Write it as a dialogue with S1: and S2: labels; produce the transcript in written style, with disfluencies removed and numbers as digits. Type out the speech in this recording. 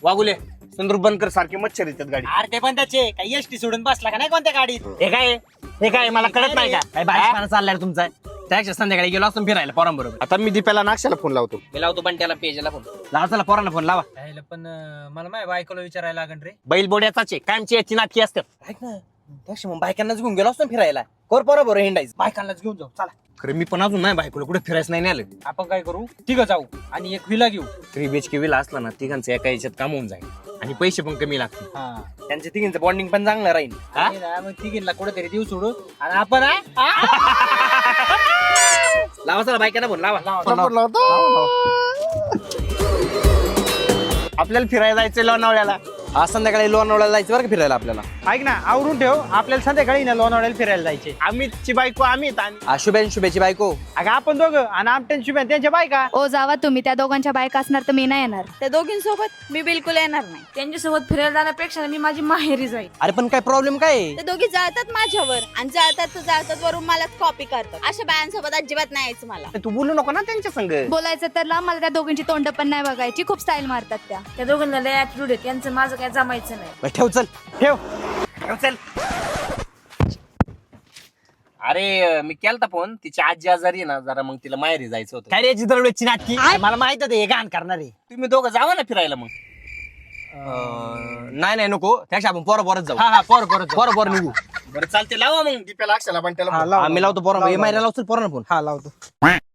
S1: वागुले संदूर बनकर सारखे मच्छर येतात गाडी.
S2: अरे ते पण त्याचे काही एसटी सोडून बसला का नाही कोणत्या गाडीत?
S1: हे काय मला कळत नाही का
S3: काय बाहेर चाललाय रे तुमचा त्याच्या संध्याकाळी गेलो असतो फिरायला पोरांबरोबर.
S1: आता मी दीपाला नाक्षाला फोन लावतो.
S3: मी लावतो पण त्याला पेजला फोन लावा. चला पोरांना फोन लावा.
S2: पण मला माझ्या बायकोला विचारायला लागण रे.
S3: बैल बोड्याचाच आहे कायमची याची नाटकी असतात.
S2: ऐक ना त्याशी मग बायकांनाच घेऊन गेलो असतो फिरायला. कोर बरोबर हिंडायचं बायकांनाच घेऊन जाऊ चला.
S3: खरं मी पण अजून नाही बायकोला कुठे फिरायचं नाही आलं.
S2: आपण काय करू तिघं जाऊ आणि एक विला घेऊ.
S3: 3 BHK विला असला ना तिघांचं एका याच्यात काम होऊन जाईल आणि पैसे पण कमी लागतील.
S2: त्यांच्या तिघींचं बॉन्डिंग पण चांगलं राहील. मग तिघींना कुठेतरी देऊ सोडू आणि आपण
S3: लावा चला बायकांना फोन लावा.
S1: आपल्याला फिरायला जायचं लोणावळ्याला.
S3: आज संध्याकाळी लोणावळ्याला जायचं बरं का फिरायला आपल्याला.
S2: ऐक ना आवरून ठेव आपल्याला संध्याकाळी ना लोणावळ्याला फिरायला जायचे.
S1: अमितची बायको अमित आणि
S3: शुभेची बायको.
S2: अगं आपण दोघं आणि आमट्यान शुभ्यान त्यांच्या बायका.
S4: ओ जावा तुम्ही, त्या दोघांच्या बायका असणार तर मी नाही येणार.
S5: त्या दोघींसोबत मी बिलकुल येणार नाही.
S6: त्यांच्यासोबत फिरायला जाण्यापेक्षा मी माझी माहेरी जाईल.
S3: अरे पण काय प्रॉब्लेम काय
S5: ते दोघी जळतात माझ्यावर आणि जळतात वरून मलाच कॉपी करतात. अशा बायांसोबत अजिबात नाही यायचं मला.
S1: तू बोलू नको ना त्यांच्या संग.
S4: बोलायचं तर ला, मला त्या दोघींची तोंड पण नाही बघायची. खूप स्टाईल मारतात त्या.
S6: त्या दोघांना लय ऍटिट्यूड आहे त्यांचं माझं काय जमायचं नाही.
S3: ठेव चल
S2: ठेव.
S1: चल.
S3: अरे मी केलता फोन तिची आजी आजारी आहे ना जरा मग तिला माहेरी जायचं होतं.
S2: काय रे दरवेळची नाटकी मला माहित आहे घाण करणार आहे.
S1: तुम्ही दोघं जावा ना फिरायला मग.
S3: नाही नको त्यापेक्षा आपण पोरं जाऊ.
S2: हा
S3: पोरं निघू.
S1: बरं चालते लावा मग दीपाला अक्षाला पण त्याला
S2: हा, लाव.
S3: आम्ही लावतो पोरं माहेरी लावतो पोरांना फोन.
S2: हा लावतो.